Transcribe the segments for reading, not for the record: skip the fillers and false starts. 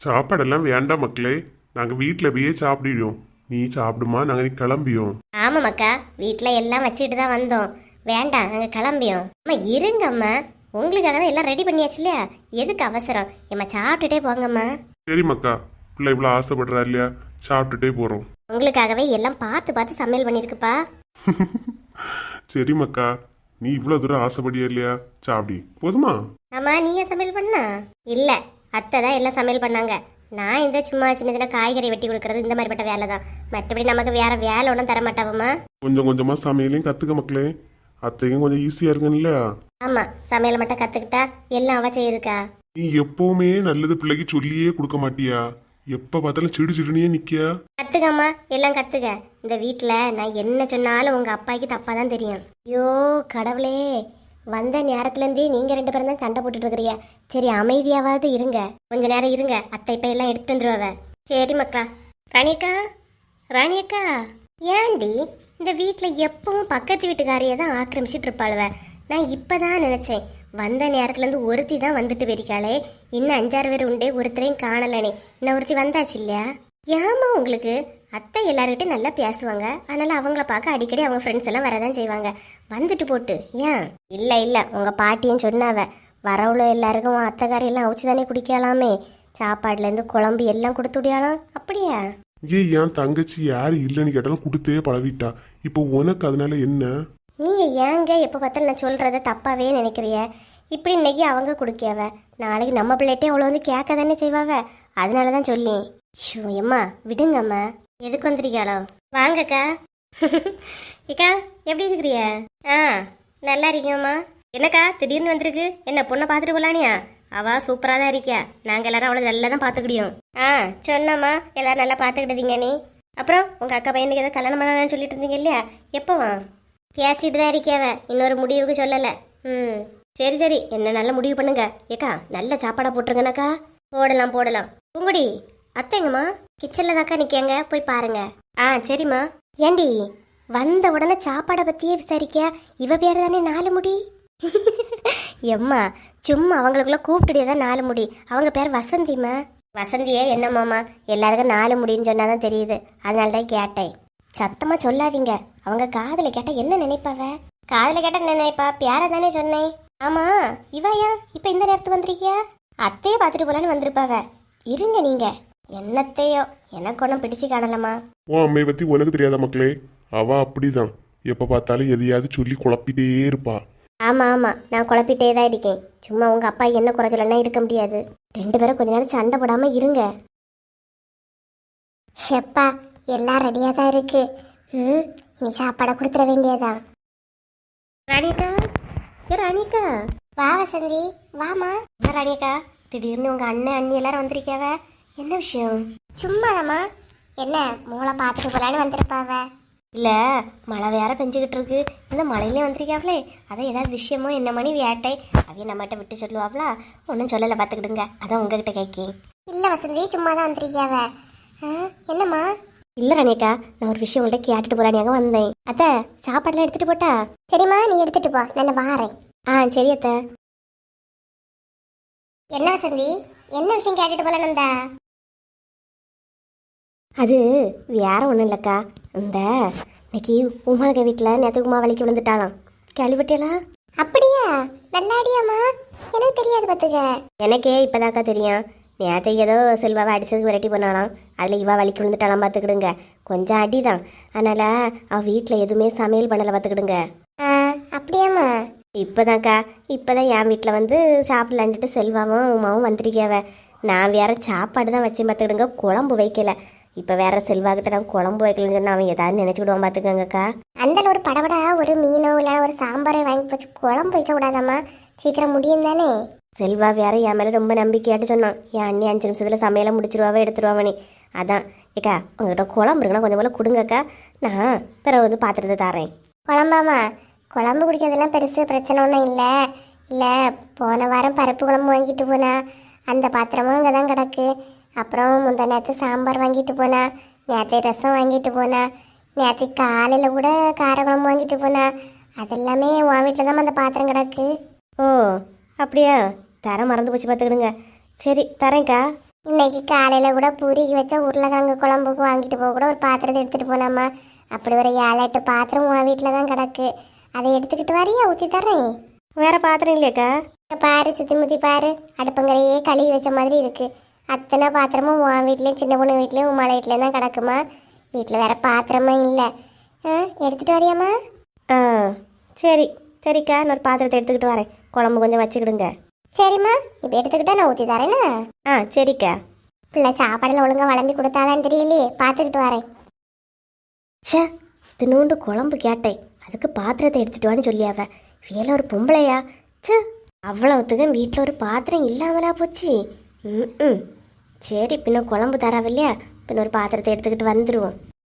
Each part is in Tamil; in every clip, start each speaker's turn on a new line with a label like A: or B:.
A: சாப்பாடெல்லாம் வேண்டாம் மக்களே, நாங்க வீட்ல போயே சாப்பிடுறோம். நீ சாப்பிடுமா, நாங்க நீ கிளம்பியோம்.
B: ஆமாம்க்கா, வீட்டில் எல்லாம் வச்சுட்டு தான் வந்தோம். வேண்டாம், நாங்கள் கிளம்பியோம். அம்மா இருங்கம்மா, உங்களுக்காக தான் எல்லாம் ரெடி பண்ணியாச்சு இல்லையா? எதுக்கு அவசரம்? ஏம்மா சாப்பிட்டுட்டே போங்கம்மா.
A: சரி மக்கா, பிள்ளை இவ்வளோ ஆசைப்படுறா இல்லையா, சாப்பிட்டுட்டே போறோம்.
B: உங்களுக்காகவே எல்லாம் பார்த்து பார்த்து சமையல் பண்ணியிருக்குப்பா.
A: சரி மக்கா, நீ இவ்வளோ தூரம் ஆசைப்படியா இல்லையா, சாப்பிடி போதுமா?
B: ஆமா, நீயே சமையல் பண்ணா? இல்லை, அத்தை தான் எல்லாம் சமையல் பண்ணாங்க. நான் இந்த சும்மா சின்ன சின்ன காய்கறி வெட்டி கொடுக்கறது இந்த மாதிரிப்பட்ட வேலை தான். மற்றபடி நமக்கு வேற வேலை ஒன்றும் தர மாட்டாவம்மா.
A: கொஞ்சம் கொஞ்சமா சமையலையும் கத்துக்க மக்களே, அத்தையும் கொஞ்சம் ஈஸியா இருக்குன்னு இல்லையா?
B: ஆமா, சமையல் மட்டும் கத்துக்கிட்டா எல்லாம் அவ செய்யுதுக்கா.
A: நீ எப்பவுமே நல்லது பிள்ளைக்கு சொல்லியே கொடுக்க மாட்டியா? எப்ப பார்த்தாலும் சிடு சிடுனே நிக்கியா?
B: கத்துக்கம்மா, எல்லாம் கத்துக்க. இந்த வீட்டில் நான் என்ன சொன்னாலும் உங்க அப்பாய்க்கு தப்பா தான் தெரியும். ஐயோ கடவுளே, வந்த நேரத்துலேருந்தே நீங்க 2 பேரும் தான் சண்டை போட்டுட்டு இருக்கிறீங்க. சரி அமைதியாவது இருங்க, கொஞ்ச நேரம் இருங்க. அத்தை இப்ப எல்லாம் எடுத்துட்டு வந்துருவாவ. சரி மக்கா. ராணியக்கா, ராணியக்கா, ஏண்டி இந்த வீட்டில் எப்பவும் பக்கத்து வீட்டுக்காரியை தான் ஆக்கிரமிச்சிட்டு இருப்பாளுவ? நான் இப்பதான் நினைச்சேன், வந்த நேரத்துலேருந்து ஒருத்தி தான் வந்துட்டு வெறிக்காளே, இன்னும் 5-6 பேர் உண்டே, ஒருத்தரையும் காணலனே. இன்னும் ஒருத்தி வந்தாச்சு இல்லையா? ஏமா உங்களுக்கு அத்தை எல்லார்கிட்டையும் நல்லா பேசுவாங்க, அதனால அவங்கள பார்க்க அடிக்கடி அவங்க ஃப்ரெண்ட்ஸ் எல்லாம் வரதான் செய்வாங்க. வந்துட்டு போட்டு ஏன்? இல்லை இல்லை, உங்கள் பாட்டியும் சொன்னாவ, வரவுள்ள எல்லாருக்கும் அத்தைக்காரியெல்லாம் அவிச்சு தானே குடிக்கலாமே, சாப்பாடுலேருந்து குழம்பு எல்லாம் கொடுத்து விடியாலாம். அப்படியா?
A: என் தங்கச்சி யாரு இல்லைன்னு கேட்டாலும் கொடுத்தே பழவிட்டா. இப்போ உனக்கு அதனால என்ன?
B: நீங்கள் ஏங்க எப்போ பார்த்தாலும் நான் சொல்கிறத தப்பாவே நினைக்கிறிய? இப்படி இன்னைக்கு அவங்க குடிக்கவ, நாளைக்கு நம்ம பிள்ளைகிட்டே அவ்வளோ வந்து கேட்க தானே செய்வாவ. அதனால தான் சொல்லி. ஷோ எம்மா விடுங்கம்மா. எதுக்கு வந்துருக்கியாளோ? வாங்கக்கா. ஏக்கா எப்படி இருக்கிறிய? ஆ நல்லா இருக்கேம்மா. என்னக்கா திடீர்னு வந்திருக்கு? என்ன பொண்ணை பார்த்துட்டு போலானியா? அவ சூப்பராக தான் இருக்கியா, நாங்கள் எல்லாரும் அவளை நல்லா தான் பார்த்துக்கிடியோம். ஆ சொன்னம்மா, எல்லாரும் நல்லா பார்த்துக்கிட்டீங்க. நீ அப்புறம் உங்கள் அக்கா பையனுக்கு ஏதோ கல்யாணம் பண்ணலான்னு சொல்லிட்டு இருந்தீங்க இல்லையா? எப்போவா? பேசிட்டு தான் இருக்கியாவ, இன்னொரு முடிவுக்கு சொல்லலை. ம் சரி சரி, என்ன நல்ல முடிவு பண்ணுங்க. ஏக்கா நல்ல சாப்பாடாக போட்டுருங்கனாக்கா. போடலாம் போடலாம். பூங்குடி அத்தைங்கம்மா கிச்சனில் தாக்கா நிற்கங்க, போய் பாருங்க. ஆ சரிம்மா. ஏண்டி வந்த உடனே சாப்பாடை பற்றியே விசாரிக்க? இவ பேர் தானே 4 முடி. எம்மா சும்மா அவங்களுக்குள்ள கூப்பிட்டுடியே தான் 4 முடி. அவங்க பேர் வசந்திம்மா. வசந்தியே என்னம்மாம்மா, எல்லாருக்கும் 4 முடின்னு சொன்னாதான் தெரியுது, அதனால தான் கேட்டேன். சத்தமாக சொல்லாதீங்க, அவங்க காதில் கேட்டால் என்ன நினைப்பாவ? காதில் கேட்டால் என்ன நினைப்பா? பேரை தானே சொன்னேன். ஆமாம், இவையா இப்போ இந்த நேரத்துக்கு வந்திருக்கியா? அத்தையே பார்த்துட்டு போலான்னு வந்திருப்பாவ. இருங்க நீங்க. என்னத்தையோ, எனக்கு ஒன்றும் பிடிச்சி காணலம்மா.
A: உன் அம்மையை பத்தி உனக்கு தெரியாத மக்களே, அவ அப்படிதான், எப்ப பார்த்தாலும் எதையாவது சொல்லி குழப்பிட்டே இருப்பா.
B: ஆமாம் ஆமாம், நான் குழப்பிட்டே தான் இருக்கேன். சும்மா உங்கள் அப்பா என்ன குறை சொல்லனா இருக்க முடியாது. 2 பேரும் கொஞ்ச நேரம் சண்டை போடாமல் இருங்க. ஷெப்பா எல்லாம் ரெடியாக தான் இருக்கு. நீ சாப்பாடை கொடுத்துட வேண்டியதா? ராணிக்கா, ராணிக்கா வா. வசந்தி வாமா. ராணிக்கா திடீர்னு உங்கள் அண்ணன் அண்ணி எல்லாரும் வந்திருக்காவ, என்ன விஷயம்? சும்மாதாம்மா. என்ன மூளை பார்த்துட்டு போலான்னு வந்திருப்பாவ? இல்லை, மழை வேற பெஞ்சுக்கிட்டு இருக்கு, இந்த மழையிலே வந்திருக்காவளே, அதான் ஏதாவது விஷயமோ என்ன மணி வேட்டை, அதையும் நம்மகிட்ட விட்டு சொல்லுவாங்களா? ஒன்றும் சொல்லலை, பார்த்துக்கிடுங்க, அதான் உங்ககிட்ட கேட்கேன். இல்லை வசந்தி, சும்மா தான் வந்திருக்காவ. என்னம்மா? இல்லை ரணியக்கா, நான் ஒரு விஷயம் உங்கள்கிட்ட கேட்டுட்டு போலானியாக வந்தேன். அத்தை சாப்பாடுலாம் எடுத்துகிட்டு போட்டா? சரிம்மா, நீ எடுத்துகிட்டு போ, நான் வாரேன். ஆ சரி அத்தை. என்ன வசந்தி, என்ன விஷயம் கேட்டுட்டு போல நந்தா? அது வேற ஒன்றும் இல்லைக்கா, இந்த இன்னைக்கு உமாளுக்கு வீட்டில் நேற்று உமா வலிக்கு விழுந்துட்டாலாம், கேள்விப்பட்டியலா? அப்படியா? நல்லாடியாம்மா? எனக்கு தெரியாது பார்த்துக்க. எனக்கே இப்போதாக்கா தெரியும். நேற்று ஏதோ செல்வாவை அடிச்சதுக்கு விரட்டி பண்ணாலாம், அதில் இவா வலிக்கு விழுந்துட்டாலாம், பார்த்துக்கிடுங்க. கொஞ்சம் அடிதான், அதனால் அவள் வீட்டில் எதுவுமே சமையல் பண்ணலை, பார்த்துக்கிடுங்க. அப்படியாம்மா? இப்போதான்க்கா, இப்போதான் என் வீட்டில் வந்து சாப்பிடலான்ட்டு செல்வாவும் உமாவும் வந்துருக்காவ. நான் வேற சாப்பாடு தான் வச்சேன், பார்த்துக்கிடுங்க, குழம்பு வைக்கல. இப்போ வேற செல்வாக்கிட்ட நான் குழம்பு வைக்கலன்னு சொன்னால் அவன் ஏதாவது நினச்சிக்கிடுவான், பார்த்துக்கங்கக்கா. அந்த ஒரு படபடா ஒரு மீனோ இல்லை ஒரு சாம்பாரோ வாங்கி வச்சு குழம்பு வைக்க விடாதாம்மா, சீக்கிரம் முடியும் தானே. செல்வா வேற என் மேலே ரொம்ப நம்பிக்கையாட்டு சொன்னான், என் அண்ணி 5 நிமிஷத்தில் சமையலை முடிச்சிருவாவே எடுத்துருவாவனே. அதான் ஏக்கா உங்ககிட்ட குழம்பு இருக்குன்னா கொஞ்சம் போல கொடுங்கக்கா, நான் பிறகு வந்து பாத்திரத்தை தரேன். குழம்பாமா? குழம்பு குடிக்கிறதுலாம் பெருசு பிரச்சனை ஒன்றும் இல்லை. இல்லை, போன வாரம் பருப்பு குழம்பு வாங்கிட்டு போனா, அந்த பாத்திரமும் இங்கே தான் கிடக்கு. அப்புறம் முந்தா நேற்று சாம்பார் வாங்கிட்டு போனா, நேற்று ரசம் வாங்கிட்டு போனா, நேற்று காலையில் கூட காரக்குழம்பு வாங்கிட்டு போனா, அதெல்லாமே உன் வீட்டில் தான் அந்த பாத்திரம் கிடக்கு. ஓ அப்படியா? தர மறந்து போச்சு, பார்த்துக்கிடுங்க. சரி தரேன்க்கா. இன்னைக்கு காலையில் கூட பூரிக்கு வச்ச உருளைக்கிழங்கு குழம்புக்கு வாங்கிட்டு போக கூட ஒரு பாத்திரத்தை எடுத்துகிட்டு போனாமா. அப்படி ஒரு 7-8 பாத்திரம் உன் வீட்டில் தான் கிடக்கு. அதை எடுத்துக்கிட்டு வரியா, ஊற்றி தர்றேன். வேற பாத்திரம் இல்லையாக்கா? பாரு, சுற்றி முற்றி பாரு, அடுப்பங்கரையே கழுவி வச்ச மாதிரி இருக்கு. அத்தனை பாத்திரமும் உன் வீட்லேயும் சின்ன பொண்ணு வீட்லேயும் உன் மலை வீட்லேயும் தான் கிடக்குமா. வீட்டில் வேற பாத்திரமும் இல்லை. எடுத்துகிட்டு வரியாம்மா? சரி சரிக்கா, நான் ஒரு பாத்திரத்தை எடுத்துக்கிட்டு வரேன். குழம்பு கொஞ்சம் வச்சுக்கிடுங்க. சரிம்மா, இப்போ எடுத்துக்கிட்டா நான் ஊற்றி தரேன்னா? சரிக்கா. பிள்ளை சாப்பாடில் ஒழுங்காக வளம்பி கொடுத்தாதான் தெரியலையே, பார்த்துக்கிட்டு வரேன். ச்சே, தினோண்டு குழம்பு கேட்டேன், அதுக்கு பாத்திரத்தை எடுத்துட்டு வான்னு சொல்லியாவ. வேலை ஒரு பொம்பளையா? ச்சே, அவ்வளவுத்துக்கும் வீட்டில் ஒரு பாத்திரம் இல்லாமலா போச்சு. சரி, பின்ன குழம்பு தராவில்லையா, பின்ன ஒரு பாத்திரத்தை எடுத்துக்கிட்டு வந்துடுவோம்.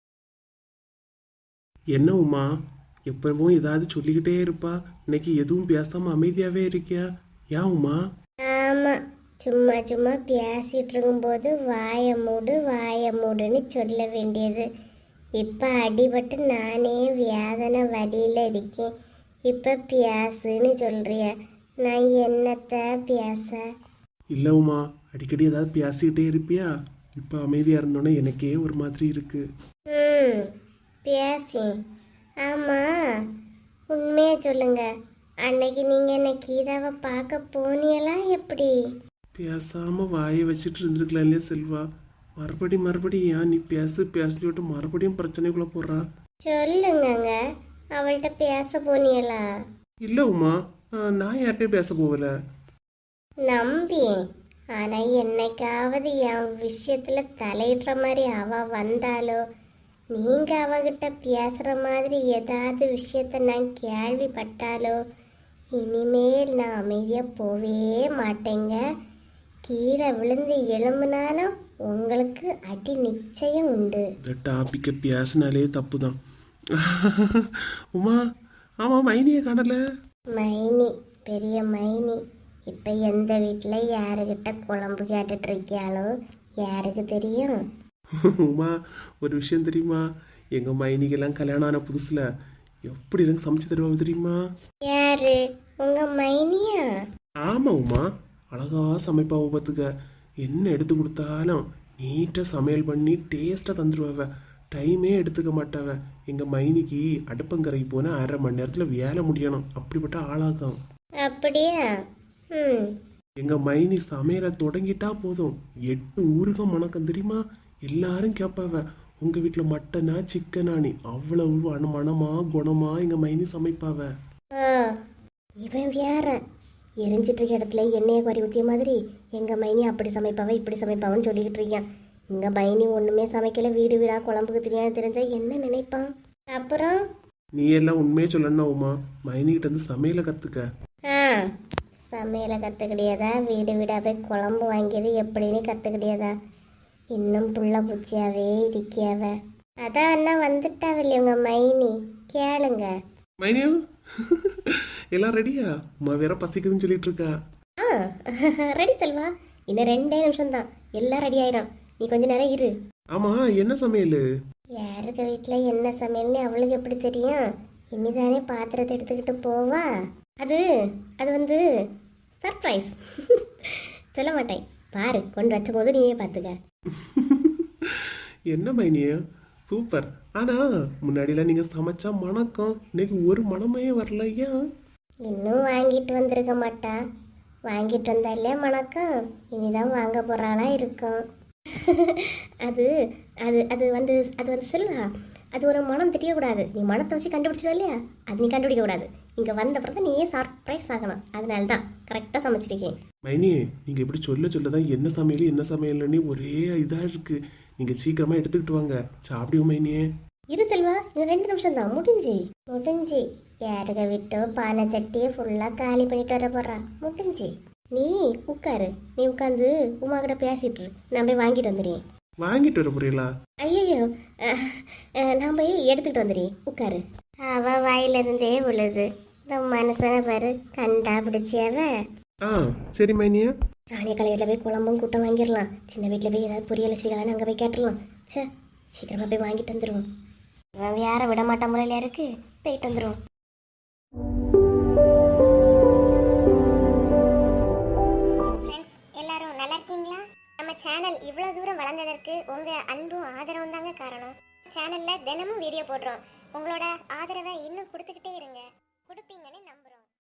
C: என்ன உமா, எப்பவும் ஏதாவது சொல்லிக்கிட்டே இருப்பா. இன்னைக்கு எதுவும் பேசாம அமைதியாவே இருக்கியா? ஏன் உமா?
B: ஆமாம், சும்மா சும்மா பேசிகிட்டு இருக்கும்போது வாய மூடுன்னு சொல்ல வேண்டியது. இப்போ அடிபட்டு நானே வேதனை வழியில் இருக்கேன். இப்போ பேசுன்னு சொல்கிறிய, நான் என்னத்த பேச?
C: இல்ல உமா, அடிக்கடி ஏதாவது பேசிக்கிட்டே இருப்பியா? இப்போ அமைதியா இருந்தோன்னே எனக்கே ஒரு மாதிரி இருக்கு.
B: பேசி. ஆமாம், உண்மையாக சொல்லுங்க, அன்னைக்கு நீங்கள் என்ன கீதாவை பார்க்க போனீங்களா எப்படி?
C: பேசாம வாயை வச்சுட்டு இருந்திருக்கலாம் இல்லையா செல்வா? மறுபடி ஏன் நீ பேசலியோட்டு மறுபடியும் பிரச்சனைக்குள்ள போடுறா?
B: சொல்லுங்கங்க, அவள்கிட்ட பேச போனீங்களா?
C: இல்ல உமா, நான் யார்கிட்டயும் பேச போகல.
B: நம்பி, ஆனால் என்னைக்காவது என் விஷயத்தில் தலையிடுற மாதிரி அவ வந்தாலோ, நீங்கள் அவகிட்ட பேசுகிற மாதிரி ஏதாவது விஷயத்த நான் கேள்விப்பட்டாலோ, இனிமேல் நான் அமைதியாக போவே மாட்டேங்க. கீழே விழுந்து எழும்புனாலும் உங்களுக்கு அடி நிச்சயம் உண்டு.
C: இந்த டாபிக்கை பேசினாலே தப்பு தான். உமா, ஆமா, மைனியை காணல.
B: மைனி, பெரிய மைனி இப்போ எந்த வீட்டில் யாருக்கிட்ட குழம்பு கேட்டுட்டு இருக்கியாளோ யாருக்கு தெரியும்?
C: உமா, ஒரு விஷயம் தெரியுமா? எங்க மைனிக்கெல்லாம் கல்யாணம் ஆன புதுசுல எப்படி எனக்கு சமைச்சு தருவாங்க தெரியுமா?
B: யாரு, உங்க மைனியா?
C: ஆமா உமா, அழகா சமைப்பாவ பார்த்துக்க. என்ன எடுத்து கொடுத்தாலும் நீட்டா சமையல் பண்ணி டேஸ்டா தந்துடுவாவ. டைமே எடுத்துக்க மாட்டாவ. எங்க மைனிக்கு அடுப்பங்கரைக்கு போனா 1/2 மணி நேரத்துல வேலை முடியணும், அப்படிப்பட்ட ஆளாகும்.
B: அப்படியா?
C: எங்க மைனி சமையலை தொடங்கிட்டா போதும் 8 ஊருக மணக்கம் தெரியுமா? எல்லாரும் கேட்பாவ, உங்க வீட்டுல மட்டனா சிக்கனானி. அவ்வளவு மனமா குணமா எங்க மைனி சமைப்பாவ.
B: இவன் வேற எரிஞ்சிட்டு இருக்க இடத்துல எண்ணெயை குறை ஊற்றிய மாதிரி எங்கள் மைனி அப்படி சமைப்பாவ இப்படி சமைப்பாவன்னு சொல்லிக்கிட்டு இருக்கான். எங்கள் மைனி ஒன்றுமே சமைக்கல, வீடு வீடாக குழம்புக்கு தெரியாது. தெரிஞ்சா என்ன நினைப்பான்? அப்புறம்
C: நீ எல்லாம் உண்மையே சொல்லணும் உமா, மைனிகிட்ட இருந்து சமையலை கத்துக்க.
B: சமையலை கற்றுக்கிடியதா, வீடு வீடாக போய் குழம்பு வாங்கியது எப்படின்னு கற்றுக்கிடியதா? இன்னும் புள்ள பூச்சியாவே இருக்கியாவ. அதான் அண்ணா வந்துட்டாவில்லை உங்கள் மைனி, கேளுங்க.
C: மைனியும் எல்லாம் ரெடியா? உமா வேற பசிக்குதுன்னு சொல்லிட்டு இருக்கா.
B: ரெடி செல்வா, இன்னும் 2 நிமிஷம் தான், எல்லாம் ரெடி ஆயிரும். நீ கொஞ்ச நேரம் இரு.
C: ஆமா, என்ன சமையல்?
B: யாருக்கு வீட்டில் என்ன சமையல்னு அவளுக்கு எப்படி தெரியும்? இனிதானே பாத்திரத்தை எடுத்துக்கிட்டு போவா. அது அது வந்து சர்ப்ரைஸ். சொல்ல மாட்டேன், பாரு, கொண்டு வச்ச போது நீயே பார்த்துக்க.
C: என்ன மைனிய, சூப்பர். ஆனா முன்னாடிலாம் நீங்க சமைச்சா மணக்கம், இன்னைக்கு ஒரு மணமே வரலையா?
B: இன்னும் வாங்கிட்டு வந்திருக்க மாட்டா. வாங்கிட்டு வந்தா இல்லையா மணக்கம், இனிதான் வாங்க போறாளா இருக்கும். அது அது அது வந்து அது வந்து செல்வா, அது ஒரு மனம் தெரியக்கூடாது. நீ மனத்தை வச்சு கண்டுபிடிச்சிடும் இல்லையா, அது நீ கண்டுபிடிக்க கூடாது. இங்க வந்த பிறகு நீயே சர்ப்ரைஸ் ஆகணும். அதனால தான் கரெக்டாக சமைச்சிருக்கேன்.
C: மைனி, நீங்க இப்படி சொல்லதான் என்ன சமையல்னு ஒரே இதா இருக்கு. நீங்க சீக்கிரமா எடுத்துக்கிட்டு வாங்க, சாப்பிடுவோம் மைனியே.
B: இரு செல்வா, இன்னும் 2 நிமிஷம் தான், முடிஞ்சு யாருக்க விட்டோ பானை சட்டியை ஃபுல்லாக காலி பண்ணிட்டு வர போறா. முடிஞ்சு. நீ உட்காரு, நீ உட்காந்து உமா கிட்ட பேசிட்டு நான் போய் வாங்கிட்டு வந்துடுறேன்.
C: வாங்கிட்டு வர போறீங்களா?
B: ஐயோ, நான் போய் எடுத்துக்கிட்டு வந்துடுறேன், உட்காரு. அவ வாயிலிருந்தே விழுது. இந்த மனுஷனை பாரு, கண்டா பிடிச்சியாவ.
C: சரி மைனியா.
B: ராணிய கலையில போய் குழம்பும் கூட்டம் வாங்கிடலாம். சின்ன வீட்டில் போய் ஏதாவது பொரியல் வச்சுக்கலான்னு அங்கே போய் கேட்டுடலாம். சே, சீக்கிரமா போய் வாங்கிட்டு வந்துடுவோம். இவன் வேற விட மாட்டான் முறையில இருக்கு, போயிட்டு வந்துடுவோம். எல்லாரும் நல்லா இருக்கீங்களா? நம்ம சேனல் இவ்வளோ தூரம் வளர்ந்ததற்கு உங்கள் அன்பும் ஆதரவும் தாங்க காரணம். சேனலில் தினமும் வீடியோ போடுறோம். உங்களோட ஆதரவை இன்னும் கொடுத்துக்கிட்டே இருங்க. கொடுப்பீங்கன்னு நம்ப